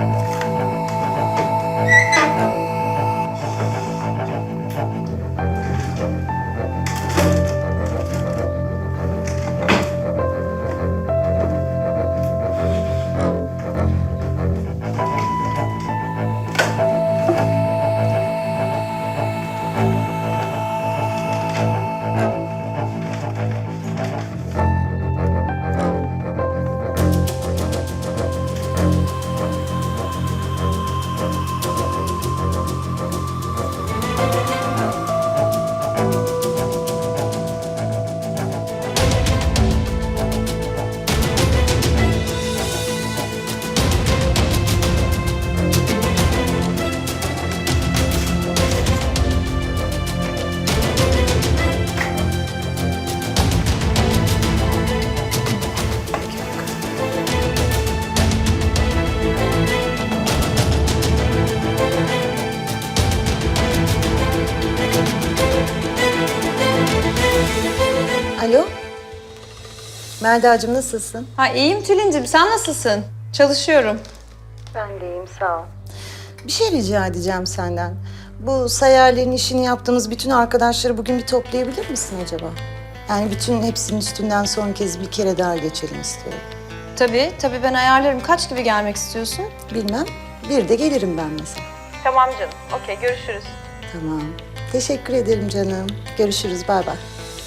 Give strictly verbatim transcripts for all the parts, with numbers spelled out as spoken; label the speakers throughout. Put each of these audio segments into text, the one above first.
Speaker 1: Alo. Melda'cığım nasılsın?
Speaker 2: Ha iyiyim Tülin'cim, sen nasılsın? Çalışıyorum.
Speaker 1: Ben de iyiyim, sağ ol. Bir şey rica edeceğim senden. Bu sayarların işini yaptığımız bütün arkadaşları bugün bir toplayabilir misin acaba? Yani bütün hepsinin üstünden son kez bir kere daha geçelim istiyorum.
Speaker 2: Tabii, tabii ben ayarlarım. Kaç gibi gelmek istiyorsun?
Speaker 1: Bilmem, bir de gelirim ben mesela.
Speaker 2: Tamam canım, okey görüşürüz.
Speaker 1: Tamam. Teşekkür ederim canım. Görüşürüz, bay bay.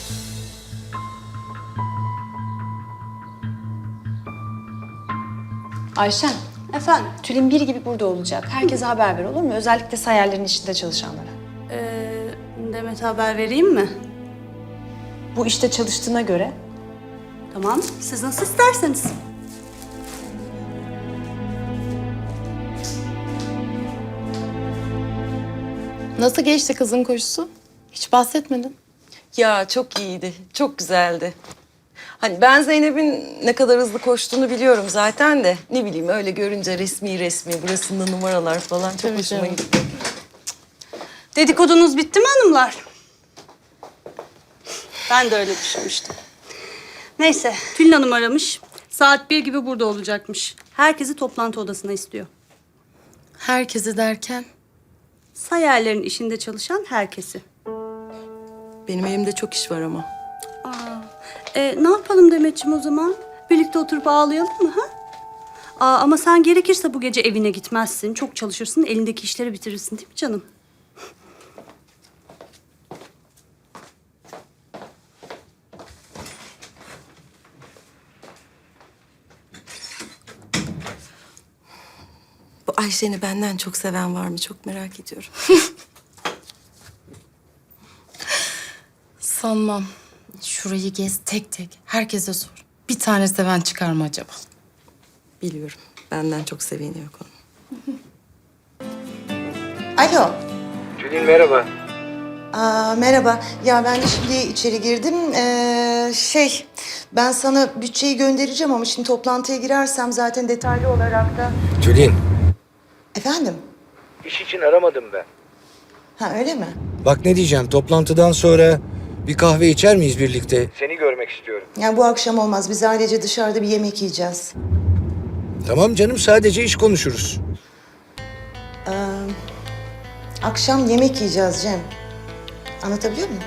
Speaker 2: Ayşen,
Speaker 3: Efendim?
Speaker 2: Tülin bir gibi burada olacak. Herkese haber ver olur mu? Özellikle sayarların işinde çalışanlara.
Speaker 3: Ee, Demet'e haber vereyim mi?
Speaker 2: Bu işte çalıştığına göre.
Speaker 3: Tamam, siz nasıl isterseniz.
Speaker 4: Nasıl geçti kızın koşusu? Hiç bahsetmedin.
Speaker 5: Ya çok iyiydi, çok güzeldi. Hani ben Zeynep'in ne kadar hızlı koştuğunu biliyorum zaten de. Ne bileyim öyle görünce resmi resmi, burasında numaralar falan çok
Speaker 4: Tabii
Speaker 5: hoşuma
Speaker 4: canım.
Speaker 5: gitti.
Speaker 3: Dedikodunuz bitti mi hanımlar? Ben de öyle düşünmüştüm. Neyse, Tülin Hanım aramış. Saat bir gibi burada olacakmış. Herkesi toplantı odasına istiyor.
Speaker 4: Herkesi derken?
Speaker 3: Sayarların işinde çalışan herkesi.
Speaker 5: Benim elimde çok iş var ama.
Speaker 3: Aa, e, ne yapalım Demetciğim o zaman? Birlikte oturup ağlayalım mı ha? Aa, ama sen gerekirse bu gece evine gitmezsin. Çok çalışırsın, elindeki işleri bitirirsin değil mi canım?
Speaker 5: Bu Ayşe'ni benden çok seven var mı çok merak ediyorum.
Speaker 4: Sanmam. Şurayı gez tek tek. Herkese sor. Bir tane seven çıkar mı acaba?
Speaker 5: Biliyorum, benden çok seveni yok onun.
Speaker 1: Alo.
Speaker 6: Tülin merhaba.
Speaker 1: Aa, merhaba. Ya ben de şimdi içeri girdim. Ee, şey, ben sana bütçeyi göndereceğim ama şimdi toplantıya girersem zaten detaylı olarak da...
Speaker 6: Tülin,
Speaker 1: Efendim?
Speaker 6: iş için aramadım ben.
Speaker 1: Ha öyle mi?
Speaker 6: Bak ne diyeceğim, toplantıdan sonra bir kahve içer miyiz birlikte? Seni görmek istiyorum.
Speaker 1: Yani bu akşam olmaz. Biz ailece dışarıda bir yemek yiyeceğiz.
Speaker 6: Tamam canım, sadece iş konuşuruz.
Speaker 1: Ee, akşam yemek yiyeceğiz Cem. Anlatabiliyor muyum?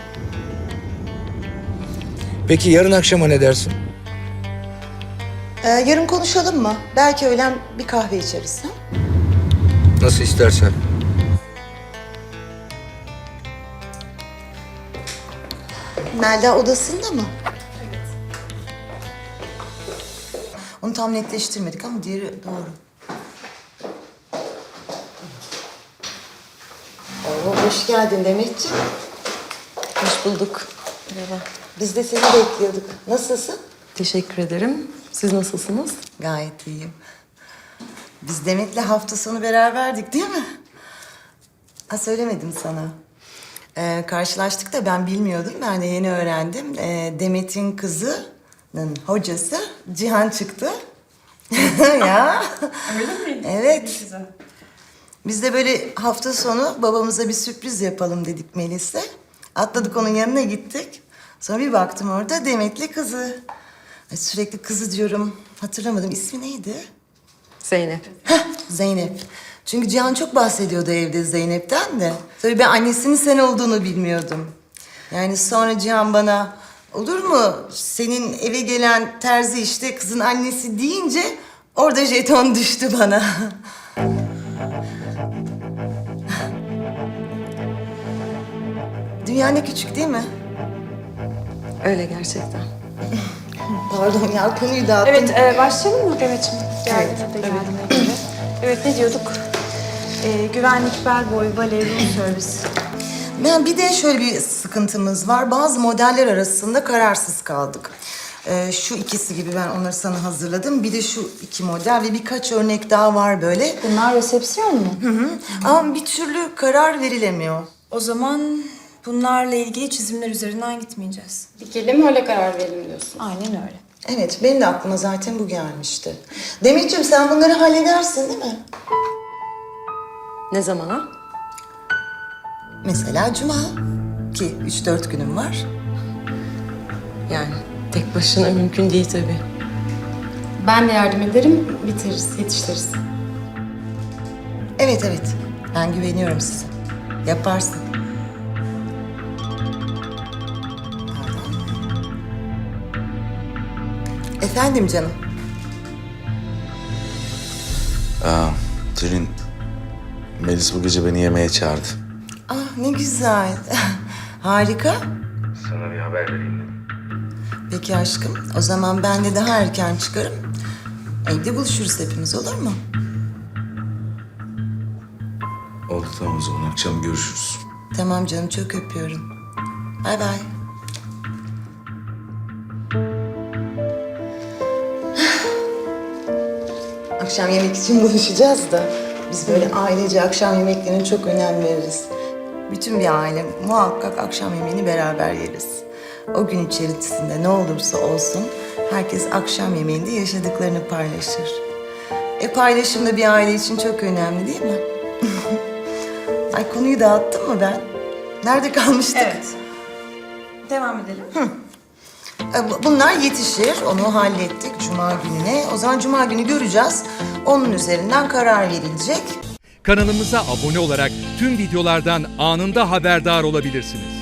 Speaker 6: Peki yarın akşama ne dersin?
Speaker 1: Ee, yarın konuşalım mı? Belki öğlen bir kahve içeriz. Ha?
Speaker 6: Nasıl istersen.
Speaker 1: Melda odasında mı? Evet. Onu tam netleştirmedik ama diğeri doğru. Oo, hoş geldin Demetciğim.
Speaker 5: Hoş bulduk. Merhaba.
Speaker 1: Biz de seni bekliyorduk. Nasılsın?
Speaker 5: Teşekkür ederim. Siz nasılsınız?
Speaker 1: Gayet iyiyim. Biz Demet'le hafta sonu beraberdik değil mi? Ha söylemedim sana. Ee, karşılaştık da ben bilmiyordum. Ben de yeni öğrendim. Ee, Demet'in kızının hocası Cihan çıktı. Ya.
Speaker 3: Öyle miydi?
Speaker 1: Evet. Biz de böyle hafta sonu babamıza bir sürpriz yapalım dedik Melis'le. Atladık onun yanına gittik. Sonra bir baktım orada Demet'li kızı. Ay, sürekli kızı diyorum. Hatırlamadım. İsmi neydi?
Speaker 5: Zeynep.
Speaker 1: Heh, Zeynep. Çünkü Cihan çok bahsediyordu evde Zeynep'ten de. Tabii ben annesinin sen olduğunu bilmiyordum. Yani sonra Cihan bana olur mu senin eve gelen terzi işte kızın annesi deyince orada jeton düştü bana. Dünya ne küçük değil mi?
Speaker 5: Öyle gerçekten.
Speaker 1: Pardon ya konuyu dağıttım.
Speaker 2: Evet, e, başlayalım mı Demet'ciğim? Geldi burada geldiğine göre. Evet, ne diyorduk? E, güvenlik, bellboy, bale, room servis.
Speaker 1: Ben bir de şöyle bir sıkıntımız var. Bazı modeller arasında kararsız kaldık. Ee, şu ikisi gibi ben onları sana hazırladım. Bir de şu iki model ve birkaç örnek daha var böyle.
Speaker 2: Bunlar resepsiyon mu?
Speaker 1: Hı hı. Ama bir türlü karar verilemiyor.
Speaker 7: O zaman bunlarla ilgili çizimler üzerinden gitmeyeceğiz.
Speaker 4: Dikelim öyle karar verelim diyorsun.
Speaker 2: Aynen öyle.
Speaker 1: Evet, benim de aklıma zaten bu gelmişti. Demetciğim sen bunları halledersin değil mi?
Speaker 5: Ne zamana?
Speaker 1: Mesela cuma ki üç dört günüm var.
Speaker 5: Yani tek başına mümkün değil tabii.
Speaker 4: Ben de yardım ederim, bitiririz, yetiştiririz.
Speaker 1: Evet evet, ben güveniyorum size. Yaparsın. Pardon. Efendim canım.
Speaker 8: Aa, Tülin, Melis bu gece beni yemeğe çağırdı.
Speaker 1: Ah ne güzel. Harika.
Speaker 8: Sana bir haber vereyim dedim.
Speaker 1: Peki aşkım, o zaman ben de daha erken çıkarım. Evde buluşuruz hepimiz, olur mu?
Speaker 8: Oldu tamam o zaman akşam görüşürüz.
Speaker 1: Tamam canım, çok öpüyorum. Bay bay. Akşam yemek için buluşacağız da biz böyle ailece akşam yemeklerine çok önem veririz. Bütün bir aile muhakkak akşam yemeğini beraber yeriz. O gün içerisinde ne olursa olsun herkes akşam yemeğinde yaşadıklarını paylaşır. E paylaşım da bir aile için çok önemli değil mi? Ay konuyu dağıttım mı ben? Nerede kalmıştık?
Speaker 7: Evet. Devam edelim.
Speaker 1: E, bu- Bunlar yetişir. Onu hallettik Cuma gününe. O zaman Cuma günü göreceğiz. Onun üzerinden karar verilecek.
Speaker 9: Kanalımıza abone olarak tüm videolardan anında haberdar olabilirsiniz.